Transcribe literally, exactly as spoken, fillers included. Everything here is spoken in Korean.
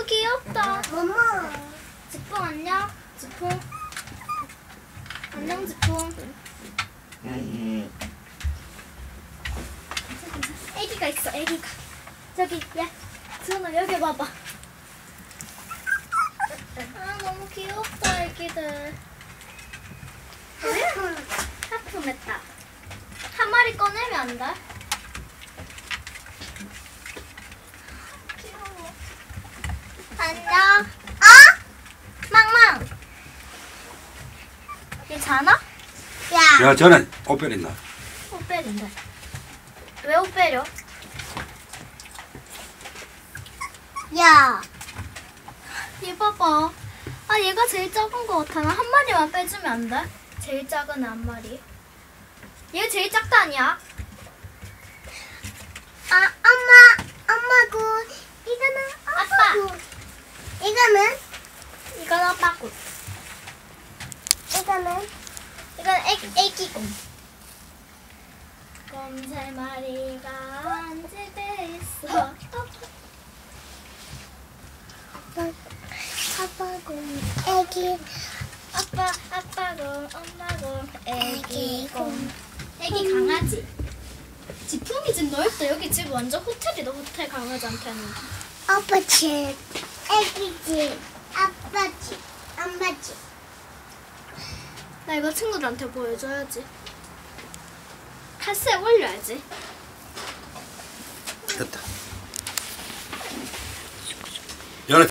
너무 귀엽다. 엄마. 지풍 안녕. 지풍. 안녕 지풍. 애기가 있어. 애기가. 저기 야 지훈아 여기 봐봐. 아 너무 귀엽다 애기들. 하품했다. 한 마리 꺼내면 안 돼? 귀여워. 안녕. 어? 망망. 괜찮아? 야. 야, 저는 옷 빼린다. 옷 빼린다. 왜 옷 빼려? 야. 얘 봐봐. 아 얘가 제일 작은 거 같아. 나 한 마리만 빼주면 안 돼? 제일 작은 애 한 마리. 얘 제일 작다 아니야? 아, 엄마. 엄마고. 이거는 아빠. 아빠고. 이거는? 이건 아빠고. 이거는? 이건 애기, 애기곰. 곰 세 마리가 한 집에 있어. 아빠고. 애기. 아빠, 아빠곰, 엄마곰, 애기곰. 애기 강아지. 지풍이 집 넓다. 여기 집 완전 호텔이다. 호텔 강아지한테는. 아빠 집. 애기 집. 아빠 집. 엄마 집. 나 이거 친구들한테 보여줘야지. 카스에 올려야지. 됐다. 연애